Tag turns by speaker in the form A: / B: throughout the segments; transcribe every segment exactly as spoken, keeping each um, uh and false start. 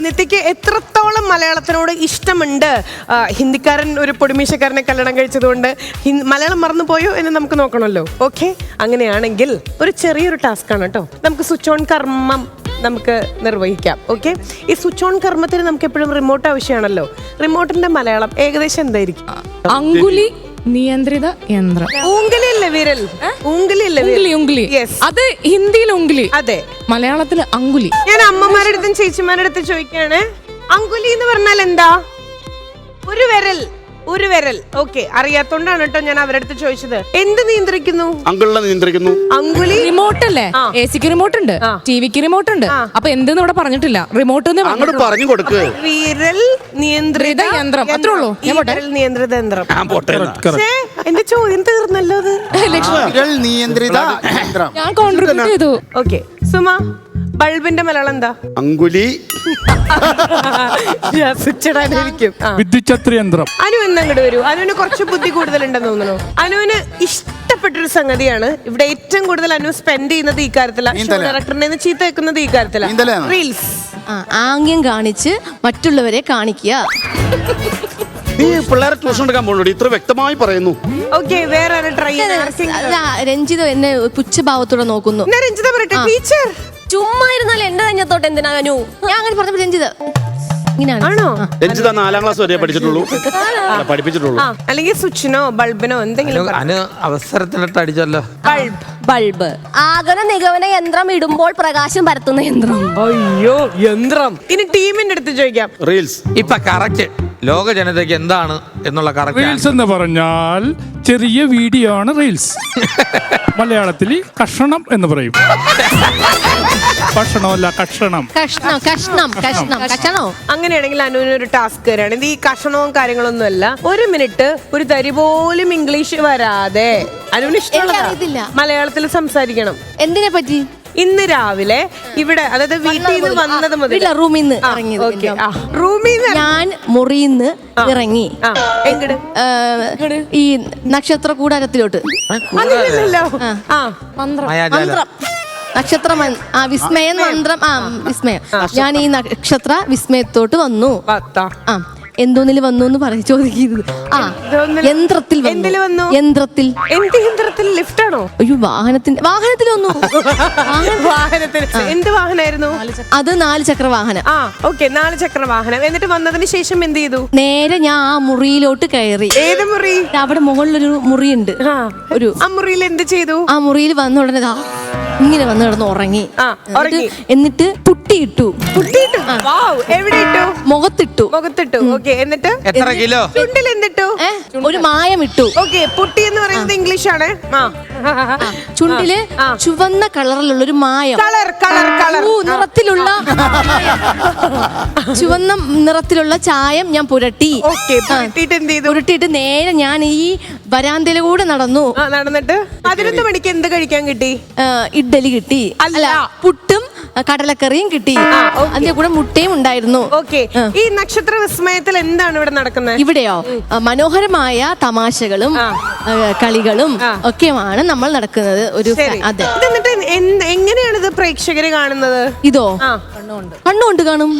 A: നിത്യക്ക് എത്രത്തോളം മലയാളത്തിനോട് ഇഷ്ടമുണ്ട്? ഹിന്ദിക്കാരൻ ഒരു പൊടിമീശക്കാരനെ കല്യാണം കഴിച്ചതുകൊണ്ട് മലയാളം മറന്നു പോയോ എന്ന് നമുക്ക് നോക്കണമല്ലോ. ഓക്കെ, അങ്ങനെയാണെങ്കിൽ ഒരു ചെറിയൊരു ടാസ്ക് ആണ് കേട്ടോ. നമുക്ക് സ്വിച്ച് ഓൺ കർമ്മം നമുക്ക് നിർവഹിക്കാം. ഓക്കെ, ഈ സ്വിച്ച് ഓൺ കർമ്മത്തിന് നമുക്ക് എപ്പോഴും റിമോട്ട് ആവശ്യമാണല്ലോ. റിമോട്ടിന്റെ മലയാളം ഏകദേശം എന്തായിരിക്കും?
B: അങ്കുലി നിയന്ത്രിത യന്ത്രം.
A: ഊങ്കലിയല്ലേ വിരൽ? ഊങ്കലിയല്ലേ
B: ഉംഗ്ലി ഉംഗ്ലി. അത് ഹിന്ദിയിൽ ഉംഗ്ലി,
A: അതെ.
B: മലയാളത്തിൽ അങ്കുലി.
A: ഞാൻ അമ്മമാരുടെ അടുത്തും ചേച്ചിമാരുടെ അടുത്തും ചോദിക്കാണ്, അങ്കുലി എന്ന് പറഞ്ഞാൽ എന്താ? ഒരു വിരൽ, ഒരു വിരൽ. ഓക്കെ, അറിയാത്തോണ്ടാണ് കേട്ടോ ഞാൻ അവരുടെ അടുത്ത് ചോദിച്ചത്. എന്ത് നിയന്ത്രിക്കുന്നു?
C: അങ്കുളിനെ നിയന്ത്രിക്കുന്നു.
A: അങ്കുലി
B: റിമോട്ട് അല്ലേ? എ സിക്ക് റിമോട്ട് ഉണ്ട്, ടിവിക്ക് റിമോട്ട് ഉണ്ട്. അപ്പൊ എന്തെന്ന് ഇവിടെ പറഞ്ഞിട്ടില്ല. റിമോട്ട്
C: അങ്ങോട്ട് പറഞ്ഞു കൊടുക്ക്.
A: വിരൽ നിയന്ത്രിത
B: യന്ത്രം, അത്രേ ഉള്ളൂ.
A: വിരൽ നിയന്ത്രിത യന്ത്രം.
C: ഞാൻ
A: എന്റെ ചോദ്യം തീർന്നല്ലോ. അത്
D: വിരൽ നിയന്ത്രിത യന്ത്രം.
B: ഞാൻ കോൺട്രിബ്യൂട്ട് ചെയ്തു.
A: ഓക്കെ, സുമ, ബൾബിന്റെ മലയാളം എന്താ?
C: അങ്കുലി
D: വിദ്യുച്ഛത്രി യന്ത്രം.
A: അനു എന്നങ്ങോട്ട് വരൂ. അനുവിന് കുറച്ച് ബുദ്ധി കൂടുതലുണ്ടെന്ന് തോന്നുന്നു. അനുവിന് ഇഷ്ടപ്പെട്ടൊരു സംഗതിയാണ്. ഇവിടെ ഏറ്റവും കൂടുതൽ അനു സ്പെൻഡ് ചെയ്യുന്നത് ഈ കാര്യത്തിലാണ്. ഡയറക്ടറിനെ ചീത്ത വെക്കുന്നത് ഈ കാര്യത്തിലാണ്. റീൽസ്.
E: ആംഗ്യം കാണിച്ച് മറ്റുള്ളവരെ കാണിക്കുക.
C: നീ പിള്ളേരെ ട്യൂഷൻ എടുക്കാൻ പോകുന്നു, ഇത്ര വ്യക്തമായി പറയുന്നു.
A: ഓക്കെ, വേറെ ട്രൈ.
E: രഞ്ജിത എന്നെ പുച്ഛഭാവത്തോടെ നോക്കുന്നു.
A: രഞ്ജിത പറയട്ടെ. ടീച്ചർ
E: ചുമ്മാ ഇരുന്നാൽ എന്റെ തഞ്ഞത്തോട്ട് എന്തിനാ അനു? ഞാൻ അങ്ങനെ പറഞ്ഞപ്പോ രഞ്ജിത ഇങ്ങനെയാണ്.
A: ആണോ?
C: രഞ്ജിത നാലാം ക്ലാസ് വരെ പഠിച്ചിട്ടുള്ളൂ, പഠിപ്പിച്ചിട്ടുള്ളൂ.
A: അല്ലെങ്കിൽ സ്വിച്ചിനോ ബൾബിനോ എന്തെങ്കിലും
F: അവസരത്തിനിട്ട് അടിച്ചല്ലോ.
A: Bulb,
E: bulb. ആഗമന നിഗമന യന്ത്രം ഇടുമ്പോൾ പ്രകാശം പരത്തുന്ന യന്ത്രം.
A: അയ്യോ, യന്ത്രം. ഇനി ടീമിന്റെ അടുത്ത് ചോദിക്കാം.
C: റീൽസ്.
F: ഇപ്പൊ കറക്റ്റ് ലോക ജനതയ്ക്ക് എന്താണ് എന്നുള്ള കറക്റ്റ്
D: റീൽസ് എന്ന് പറഞ്ഞാൽ ചെറിയ വീഡിയോ ആണ് റീൽസ്. മലയാളത്തിൽ കഷണം എന്ന് പറയും. ഭക്ഷണമല്ല, കഷണം.
E: കഷ്ണം കഷ്ണം കഷ്ണം കഷണോ?
A: അങ്ങനെയാണെങ്കിൽ അനുവിന് ഒരു ടാസ്ക് തരാണ്. ഇത് ഈ കഷണവും കാര്യങ്ങളൊന്നും അല്ല. ഒരു മിനിറ്റ് ഒരു തരി പോലും ഇംഗ്ലീഷ് വരാതെ അനുവിന് ഇഷ്ടമുള്ള മലയാളത്തിൽ സംസാരിക്കണം.
E: എന്തിനെ പറ്റി?
A: ഇന്ന് രാവിലെ ഇവിടെ, അതായത് വീട്ടിൽ നിന്ന് വന്നത് മുതൽ
E: റൂമിൽ നിന്ന് ഇറങ്ങി.
A: റൂമിൽ നിന്ന്
E: ഞാൻ മുറിയിൽ നിന്ന് ഇറങ്ങി
A: എങ്ങട്
E: ഈ നക്ഷത്ര കൂടാരത്തിലോട്ട്.
A: അതില്ലല്ലോ. ആ,
E: മന്ത്രം, നക്ഷത്ര ആ വിസ്മയ മന്ത്രം. ആ വിസ്മയം. ഞാൻ ഈ നക്ഷത്ര വിസ്മയത്തോട്ട് വന്നു. ആ എന്തോന്നിൽ വന്നു എന്ന് പറയും, ചോദിക്കുന്നത്. ആ യന്ത്രത്തിൽ വന്നു. യന്ത്രത്തിൽ.
A: എന്ത് യന്ത്രത്തിൽ? ലിഫ്റ്റ് ആണോ?
E: അയ്യോ, വാഹനത്തിന്റെ വാഹനത്തിൽ വന്നു.
A: വാഹനത്തിൽ. എന്ത് വാഹനമായിരുന്നു
E: അത്? നാല് ചക്ര വാഹനം.
A: ആ, ഓക്കെ, നാല് ചക്ര വാഹനം. എന്നിട്ട് വന്നതിന് ശേഷം എന്ത് ചെയ്തു?
E: നേരെ ഞാൻ ആ മുറിയിലോട്ട് കയറി.
A: ഏത് മുറി?
E: അവിടെ മുകളിലൊരു മുറിയുണ്ട്. ഒരു
A: ആ മുറിയിൽ എന്ത് ചെയ്തു?
E: ആ മുറിയിൽ വന്ന ഉടനെ ഇങ്ങനെ വന്ന് കിടന്ന് ഉറങ്ങി. എന്നിട്ട് പുട്ടിയിട്ടു.
A: പുട്ടിയിട്ടു? എവിടെ ഇട്ടു?
E: മുഖത്തിട്ടു.
A: മുഖത്തിട്ടു. ഓക്കെ, എന്നിട്ട്
F: എത്ര കിലോ?
A: ചുണ്ടിൽ എന്തിട്ടു?
E: ഒരു മായം ഇട്ടു.
A: ഓക്കെ, പുട്ടി എന്ന് പറയുന്നത് ഇംഗ്ലീഷ് ആണ്.
E: ചുണ്ടില് ചുവന്ന കളറിലുള്ള ഒരു മായം.
A: കളർ കളർ കളർ
E: നിറത്തിലുള്ള ചുവന്ന നിറത്തിലുള്ള ചായം ഞാൻ പുരട്ടി. പുരട്ടിയിട്ട് നേരെ ഞാൻ ഈ വരാന്തയിലൂടെ നടന്നു.
A: നടന്നിട്ട് പതിനൊന്ന് മണിക്ക് എന്ത് കഴിക്കാൻ കിട്ടി?
E: ഇഡ്ഡലി കിട്ടി. അല്ല, പുട്ടും കടലക്കറിയും കിട്ടി. അതിന്റെ കൂടെ മുട്ടയും ഉണ്ടായിരുന്നു.
A: ഓക്കെ, ഈ നക്ഷത്ര വിസ്മയത്തിൽ എന്താണ് ഇവിടെ നടക്കുന്നത്?
E: ഇവിടെയോ മനോഹരമായ തമാശകളും കളികളും ഒക്കെയാണ് നമ്മൾ നടക്കുന്നത്. ഒരു അതെ.
A: എന്നിട്ട് എങ്ങനെയാണ് ഇത് പ്രേക്ഷകര് കാണുന്നത്?
E: ഇതോ കണ്ണുകൊണ്ട് കാണും.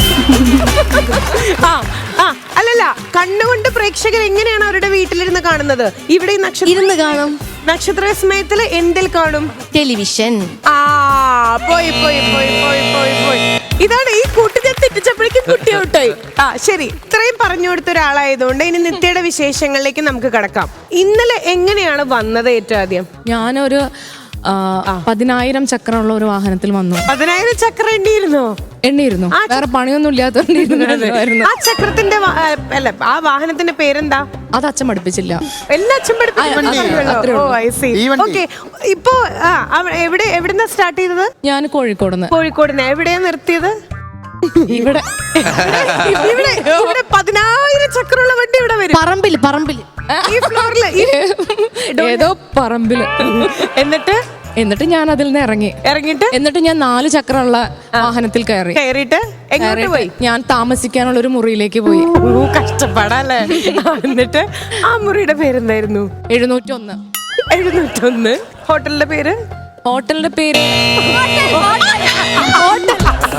A: അല്ലല്ല, കണ്ണുകൊണ്ട് പ്രേക്ഷകർ എങ്ങനെയാണ് അവരുടെ വീട്ടിലിരുന്ന് കാണുന്നത്? ഇവിടെ
E: ഇരുന്ന് കാണും.
A: നക്ഷത്ര വിസ്മയത്തില് എന്തിൽ കാണും?
E: ടെലിവിഷൻ.
A: ആ, പോയി പോയി പോയി പോയി പോയി പോയി ഇതാണ് ഈ കൂട്ടി ഞാൻ തെറ്റിച്ചപ്പോഴേക്കും കുട്ടി ഔട്ടായി. ആ, ശരി. ഇത്രയും പറഞ്ഞു കൊടുത്ത ഒരാളായതുകൊണ്ട് ഇനി നിത്യയുടെ വിശേഷങ്ങളിലേക്ക് നമുക്ക് കടക്കാം. ഇന്നലെ എങ്ങനെയാണ് വന്നത്? ഏറ്റവും ആദ്യം
B: ഞാനൊരു പതിനായിരം ചക്രമുള്ള ഒരു വാഹനത്തിൽ വന്നു.
A: പതിനായിരം ചക്രം എണ്ണിയിരുന്നോ?
B: എണ്ണിയിരുന്നു. വേറെ പണിയൊന്നും ഇല്ലാത്തതുകൊണ്ടിരുന്നു.
A: ആ ചക്രത്തിന്റെ അല്ല, ആ വാഹനത്തിന്റെ പേരെന്താ?
B: അത് അച്ഛൻ പഠിപ്പിച്ചില്ല.
A: എല്ലാ അച്ഛൻ പഠിപ്പിച്ചു. ഇപ്പൊ എവിടെ എവിടുന്നാ സ്റ്റാർട്ട് ചെയ്തത്?
B: ഞാൻ കോഴിക്കോട്.
A: കോഴിക്കോടിന് എവിടെയാ നിർത്തിയത്?
B: ഇവിടെ
A: ഇവിടെ ഇവിടെ പതിനായിരം ചക്രമുള്ള വണ്ടി ഇവിടെ വരും.
E: പറമ്പിൽ പറമ്പിൽ
A: ഈ ഫ്ലോറില്
B: ഏതോ പറമ്പില്.
A: എന്നിട്ട്
B: എന്നിട്ട് ഞാൻ അതിൽ നിന്ന് ഇറങ്ങി
A: ഇറങ്ങിട്ട്
B: എന്നിട്ട് ഞാൻ നാല് ചക്രമുള്ള വാഹനത്തിൽ കയറി
A: കയറിയിട്ട് എങ്ങോട്ട് പോയി?
B: ഞാൻ താമസിക്കാനുള്ള ഒരു മുറിയിലേക്ക് പോയി.
A: കഷ്ടപ്പാടല്ലേ? എന്നിട്ട് ആ മുറിയുടെ പേരെന്തായിരുന്നു?
B: എഴുന്നൂറ്റി ഒന്ന്.
A: എഴുന്നൂറ്റൊന്ന്. ഹോട്ടലിന്റെ പേര്?
B: ഹോട്ടലിന്റെ പേര്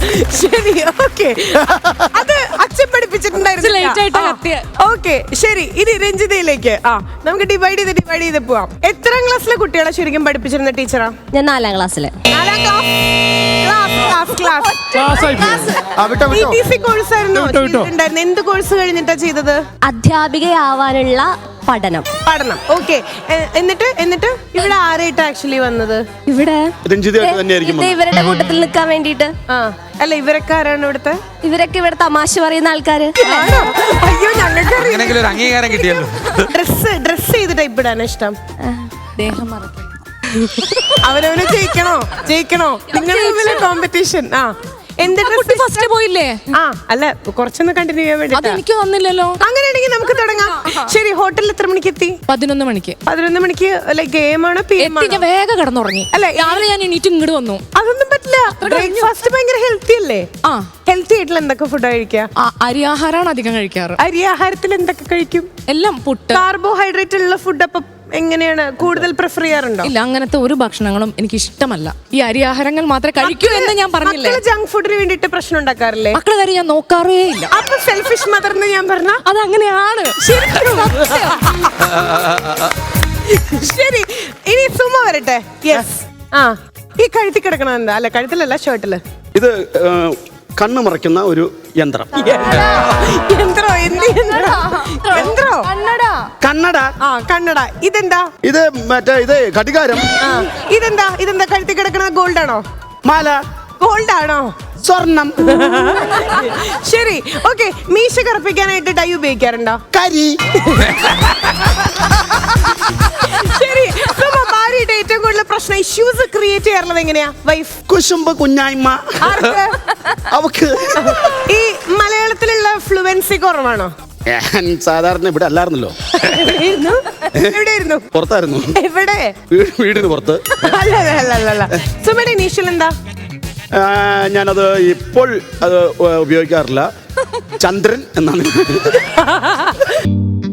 A: ശരി, ഓക്കെ. അത് അച്ഛൻ
B: late ആയിട്ടാ
A: പഠിപ്പിച്ചിട്ടുണ്ടായിരുന്നു.
B: കത്തിയെ.
A: ഓക്കെ, ശരി. ഇനി രഞ്ജിതയിലേക്ക്. ആ നമുക്ക് ഡിവൈഡ് ചെയ്ത് ഡിവൈഡ് ചെയ്ത് പോവാം. എത്രാം ക്ലാസ്സിലെ കുട്ടികളെ ശരിക്കും പഠിപ്പിച്ചിരുന്ന ടീച്ചറാ?
E: ഞാൻ നാലാം ക്ലാസ്സില്.
A: നാലാം class. Class, class, class.
D: Class ആയി പോയി.
C: ആ, വിട്ടോ
A: ടി
C: വിട്ടോ
A: ടി സി കോഴ്സ് ആയിരുന്നോ
D: വിട്ടോ, വിട്ടോ.
A: ചെയ്തിട്ടുണ്ടായിരുന്നത്? എന്ത് കോഴ്സ് കഴിഞ്ഞിട്ടാ ചെയ്തത്?
E: അധ്യാപികയാവാനുള്ള പഠനം.
A: പഠനം. ഓക്കെ. എന്നിട്ട് എന്നിട്ട് ഇവിടെ ആരായിട്ട് ആക്ച്വലി വന്നത്?
E: ഇവിടെ
C: രഞ്ജിതയായിട്ട് തന്നെയായിരിക്കും
E: ഇത് ഇവരുടെ കൂട്ടത്തിൽ നിൽക്കാൻ വേണ്ടിട്ട്.
A: ആ അല്ല, ഇവരൊക്കെ ആരാണ് ഇവിടുത്തെ?
E: ഇവരൊക്കെ ഇവിടെ തമാശ പറയുന്ന ആൾക്കാര്.
A: ആണോ? അയ്യോ, ഞങ്ങൾക്ക്
F: അങ്ങനെങ്കിലും ഒരു അംഗീകാരം കിട്ടിയല്ലോ.
A: ഡ്രസ് ഡ്രസ് ചെയ്ത് ടൈപ്പ് ഇടാൻ ഇഷ്ടം.
B: ദേഹം മറക്കും.
A: അവനവന് ജയിക്കണോ ജയിക്കണോ നിങ്ങൾ തമ്മിലെ കോമ്പറ്റീഷൻ. ആ എന്ത്
B: കുട്ടി
A: ഡ്രസ്?
B: ഫസ്റ്റ് പോയില്ലേ?
A: ആ അല്ല, കുറച്ചൊന്ന് കണ്ടിന്യൂ ചെയ്യാൻ വേണ്ടി.
B: അതെനിക്ക് തന്നില്ലല്ലോ.
A: അങ്ങനെയാണെങ്കിൽ നമുക്ക് തുടങ്ങാം. ശരി, ഹോട്ടലിൽ എത്ര മണിക്ക് എത്തി?
B: പതിനൊന്ന് മണിക്ക്
A: പതിനൊന്ന് മണിക്ക്. ലൈക്ക് ഗെയിം ആണോ പി എം
B: എത്തി. ഞാൻ വേഗം കിടന്നുറങ്ങി.
A: അല്ല,
B: രാവിലെ ഞാൻ എണീറ്റ് ഇങ്ങോട്ട് വന്നു.
A: അതൊന്നും പറ്റില്ല. ബ്രേക്ക്ഫാസ്റ്റ് ഭയങ്കര ഹെൽത്തി അല്ലേ?
B: ആ
A: ഹെൽത്തി ആയിട്ടുള്ള എന്തൊക്കെ ഫുഡ് കഴിക്കുക?
B: ആ, അരി ആഹാരമാണ് അധികം കഴിക്കാറ്.
A: അരി ആഹാരത്തിൽ എന്തൊക്കെ കഴിക്കും?
B: എല്ലാം പുട്ട്.
A: കാർബോഹൈഡ്രേറ്റ് ഉള്ള ഫുഡ് അപ്പൊ എങ്ങനെയാണ് കൂടുതൽ പ്രിഫർ ചെയ്യാറുണ്ടോ?
B: ഇല്ല, അങ്ങനത്തെ ഒരു ഭക്ഷണങ്ങളും എനിക്ക് ഇഷ്ടമല്ല. ഈ അരി ആഹാരങ്ങൾ മാത്രമേ കഴിക്കൂ എന്ന് ഞാൻ പറഞ്ഞില്ലേ.
A: ജങ്ക് ഫുഡിന് വേണ്ടിട്ട് പ്രശ്നം ഉണ്ടാക്കാറില്ലേ?
B: മക്കളെ കാര്യം ഞാൻ നോക്കാറേ ഇല്ല.
A: അപ്പൊ സെൽഫിഷ് മദർ എന്ന് ഞാൻ പറഞ്ഞ
B: അതങ്ങനെയാണ്.
A: ശരി, ഇനി സുമ വരട്ടെ. യെസ്. ആ ഈ കഴുത്തി കിടക്കണ എന്താ? അല്ല, കഴുത്തിലല്ല, ഷർട്ടില്.
C: ഇത് ഏ, കണ്ണ് മറയ്ക്കുന്ന ഒരു യന്ത്രം.
A: യന്ത്രോ? എന്ത് യന്ത്രോ? യന്ത്രോ?
C: കണ്ണട.
A: ആ കണ്ണട. ഇതെന്താ?
C: ഇത് മറ്റേ ഇത് ഘടികാരം.
A: ആ ഇതെന്താ? ഇതെന്താ കഴുത്തി കിടക്കണ? ഗോൾഡ് ആണോ?
C: മാല.
A: ഗോൾഡ് ആണോ?
C: സ്വർണം.
A: ശരി, ഓക്കെ. മീശ കറുപ്പിക്കാനായിട്ട് ഡൈ ഉപയോഗിക്കാറുണ്ടോ?
C: കരി.
A: ശരി, സുമ, ഭാര്യയുടെ ഏറ്റവും കൂടുതൽ പ്രശ്നം ഇഷ്യൂസ് ക്രിയേറ്റ് ചെയ്യാറുള്ളത് എങ്ങനെയാ? വൈഫ്
C: കുശുമ്പ് കുഞ്ഞായ്മ.
A: ആർക്ക്?
C: അവക്ക്.
A: ഈ മലയാളത്തിലുള്ള ഫ്ലുവൻസി കുറവാണോ?
C: ഞാൻ സാധാരണ ഇവിടെ അല്ലായിരുന്നല്ലോ,
A: എവിടെയായിരുന്നു? എവിടെയായിരുന്നു?
C: പുറത്തായിരുന്നു.
A: എവിടെ?
C: വീ- വീടിന് പുറത്ത്.
A: അല്ല അല്ല അല്ല അല്ല. സുമയുടെ ഇനീഷ്യൽ എന്താ?
C: ആ, ഞാനത് ഇപ്പോൾ അത് ഉപയോഗിക്കാറില്ല. ചന്ദ്രൻ എന്നാണ്.